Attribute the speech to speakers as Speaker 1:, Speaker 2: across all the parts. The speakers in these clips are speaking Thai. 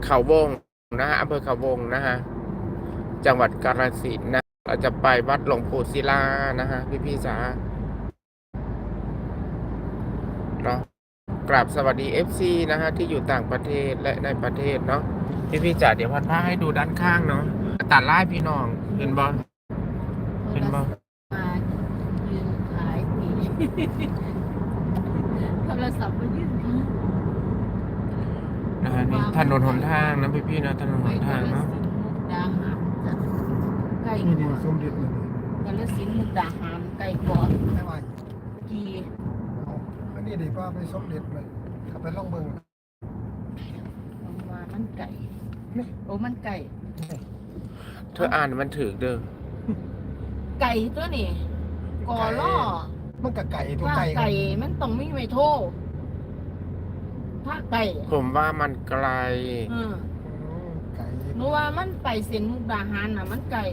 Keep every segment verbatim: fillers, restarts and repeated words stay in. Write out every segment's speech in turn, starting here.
Speaker 1: เขาวงนะฮะอำเภอเขาวงนะฮะจังหวัดกาฬสินธุ์นะเราจะไปวัดหลวงปู่ศิลานะฮะพี่พี่จ๋าเนาะกราบสวัสดี เอฟ ซี นะฮะที่อยู่ต่างประเทศและในประเทศเนาะพี่พี่จ๋าเดี๋ยวพันผ้าให้ดูด้านข้างเนาะตัดไล่พี่น้องเห็นบอลเห็นบอล
Speaker 2: มายืนขายผีโทรศัพท์มายืนขาย
Speaker 1: นะฮะนี่ถนนหนทางนะพี่พี่นะถนนหนทางเนาะ
Speaker 2: ดาหารจ้ะใกล้
Speaker 3: นี่
Speaker 2: ก
Speaker 3: นี่
Speaker 2: ว่า
Speaker 3: สมเด็จเลย
Speaker 2: กาฬสินธุ์มุกดาหารใกล้กว่า
Speaker 3: ไม่ไหว
Speaker 2: กี่
Speaker 3: เอาอันนี้เดี๋ยวป้าไปสมเด็จเลยขับไปล่องเบิง
Speaker 2: ประมาณมันไก่โอ้มันไก่
Speaker 1: เธออ่านมันถือเด้อ
Speaker 2: ไก่ตัวนี่กอล่อ
Speaker 3: มันกับไก่ตัว
Speaker 2: ว่า
Speaker 3: ไก่
Speaker 2: ไก่มันต้องมีไม่โทษถ้าไก่
Speaker 1: ผมว่ามันไกล
Speaker 2: อืม
Speaker 3: อืมไก่
Speaker 2: หนูว่ามันไปเส้นมุกดาหารน่ะมันไก่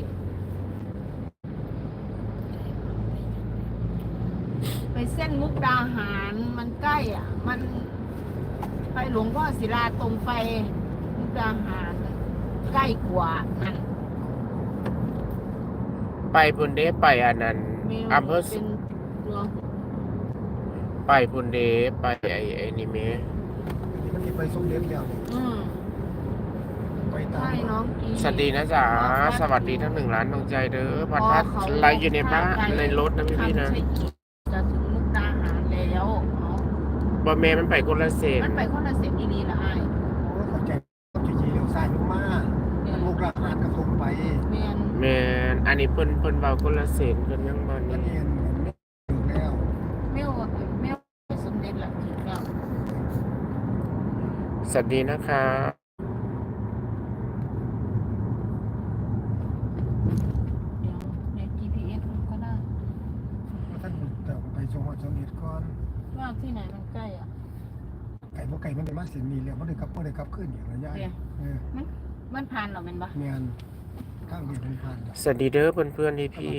Speaker 2: ไปเส้นมุกดาหารมันใกล้อ่ะ มันไปหลวงพ่อศิลาตรงไปมุกดาหารใกล้กว่าอัน
Speaker 1: ไปพุนเดไปอันนั้น
Speaker 2: เมล
Speaker 1: อำเภอ
Speaker 2: เป็นตัว
Speaker 1: ไปพุนเดไปไอ้ไอ้นี่เม
Speaker 3: มันที่ไปสมเด็จแล้วนี่
Speaker 2: อืม
Speaker 3: ไปตาม
Speaker 2: ใช่น้องกี
Speaker 1: สวัสดีนะจ๊ะสวัสดีทั้งหนึ่งล้านดวงใจเด้อพัดพัดไลฟ์อยู่ในบ้านในรถนะพี่พี่ๆนะ
Speaker 2: ทำใช้อีกจะถึงมุกดาหารแล้วเอา
Speaker 1: บอเมมันไปคนละเซน
Speaker 2: มันไปคนละเส้นดีๆละไอ้าย
Speaker 3: โอ้เข้าใจต้องจีๆเลี้ยวซ้ายลงมาลูกหลานกระทงไป
Speaker 2: แมน
Speaker 1: แมนอันนี้เพิ่นเพิ่นเบาคนละเซนเพิ่นยังมัน
Speaker 3: นั่น
Speaker 1: นี่
Speaker 3: เองไม่ถึงแล้ว
Speaker 2: เมลเมลสมเด็จละถึงแล้ว
Speaker 1: สวัสดีนะคะ
Speaker 2: เดี๋ยวใน จี พี เอส มันก็ได้
Speaker 3: ท่านแต่ไปสมวัดสมเด็จก่อน
Speaker 2: ว่าที่ไหนมันใกล้อ่ะ
Speaker 3: ไก่พวกไก่มันได้มาเสียนีแล้วมันได้กลับมันได้กลับขึ้นอย่างระยะ
Speaker 2: เดี๋ยว
Speaker 3: เออ
Speaker 2: มันมันผ่านเหรอแมันปะ
Speaker 3: เมียนข้างเดียวมันผ่าน
Speaker 1: สวัสดีเด้อเพื่อนเพื่อนที่พี่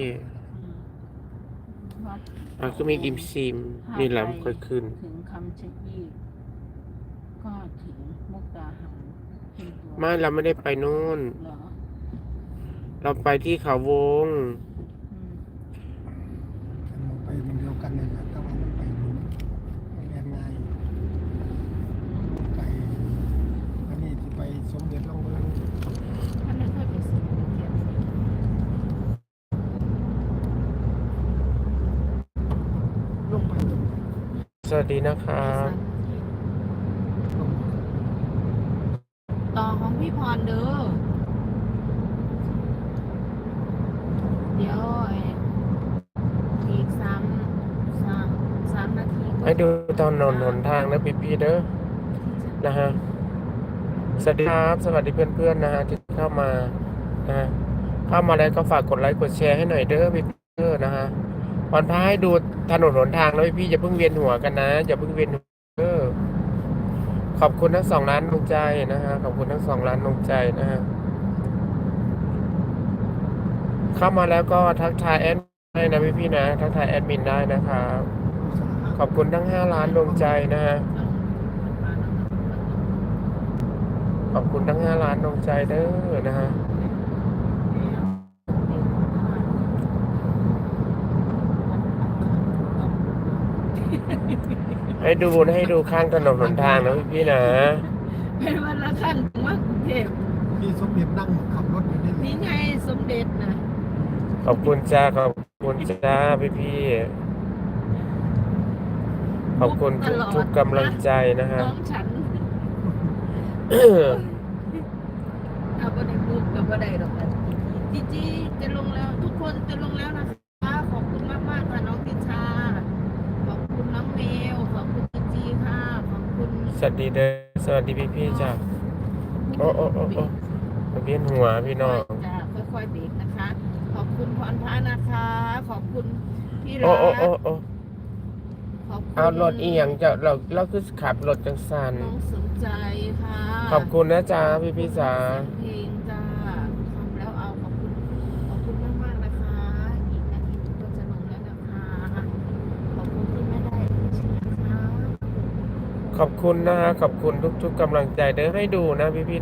Speaker 2: วัด
Speaker 1: ๆมันก็มีอิมซิมนี่แหละมันค่อยขึ้น
Speaker 2: ถึงคำชะอีก็ถึงมุกดาหารถึงตัว
Speaker 1: ไม่เราไม่ได้ไปนู่น
Speaker 2: เหรอ
Speaker 1: เราไปที่เขาวง
Speaker 2: อืม
Speaker 3: มันไปมันเดียวกันเลยนะถ้าว่ามันไปรู้มันเรียนง่ายไก่อันนี้ที่ไปสมเด็จล่องเบิง
Speaker 2: ท่านไม่ค่อยไปซื้อเทียน
Speaker 3: ลงไปตรง
Speaker 1: สวัสดีนะครับ
Speaker 2: ต่อของพี่พรเด้อเดี๋ยวไอ้อีกสามสามสามนาทีก็
Speaker 1: ให้ดูตอนนนหนทางนะพี่พี่ๆเด้อนะฮะสวัสดีครับสวัสดีเพื่อนเพื่อนๆนะฮะที่เข้ามานะฮะเข้ามาแล้วก็ฝากกดไลค์กดแชร์ให้หน่อยเด้อพี่เด้อนะฮะวันพาให้ดูถนนหนทางแล้วพี่ๆอย่าเพิ่งเวียนหัวกันนะอย่าเพิ่งเวียนหัวเด้อขอบคุณทั้งสองล้านดวงใจนะฮะขอบคุณทั้งสองล้านดวงใจนะฮะเข้ามาแล้วก็ทักทายแอดได้นะพี่พี่ๆนะทักทายแอดมินได้นะครับขอบคุณทั้งห้าล้านดวงใจนะฮะขอบคุณทั้งห้าล้านดวงใจเด้อนะฮะให้ดูให้ดูข้างถนนหนทางนะพี่พี่ๆนะ
Speaker 2: เป็นวันละขั้นถึงว่ากรุงเทพ
Speaker 3: มีสมเด็จนั่งขับรถอยู่นี่
Speaker 2: นี่ไงสมเด็จนะ
Speaker 1: ขอบคุณจ้าขอบคุณจ้าพี่พี่ๆขอบคุณทุกทุกกำลังใจนะฮะ
Speaker 2: น้องฉันเอาไปในบุ๊กกับบันไดดอกนะจีจีจะลงแล้วทุกคนจะลงแล้วนะคะขอบคุณมากมากๆค่ะน้องติชาขอบคุณน้องเมลขอบคุณจีจีค่ะขอบคุณ
Speaker 1: สวัสดีเด้อสวัสดีพี่พี่ๆจ้าโอ้โอ้โอ้โอ้เวียนหัวพี่น้อง
Speaker 2: จะค่อยๆเบรกนะคะ ขอบคุณพรพานะคะ ขอบคุณพี่รั
Speaker 1: โอ้
Speaker 2: ก
Speaker 1: โอ้โอ้โอ้
Speaker 2: ขอบคุณ
Speaker 1: เอารถอีหยังจะเราเราคือขับรถจังสัน
Speaker 2: น้องสนใจค่ะ
Speaker 1: ขอบคุณนะจ๊ะพี่พี่ๆจ้า
Speaker 2: เพลงจ้าทำแล้วเอาขอบคุณขอบคุณมากมากๆนะคะ อีกนาทีหนึงก็จะลงแล้วนะคะ ขอบคุณที่ไม่ได้ชิมนะคะ
Speaker 1: ขอบคุณนะฮะขอบคุณทุกๆกำลังใจเด้อให้ดูนะพี่พี่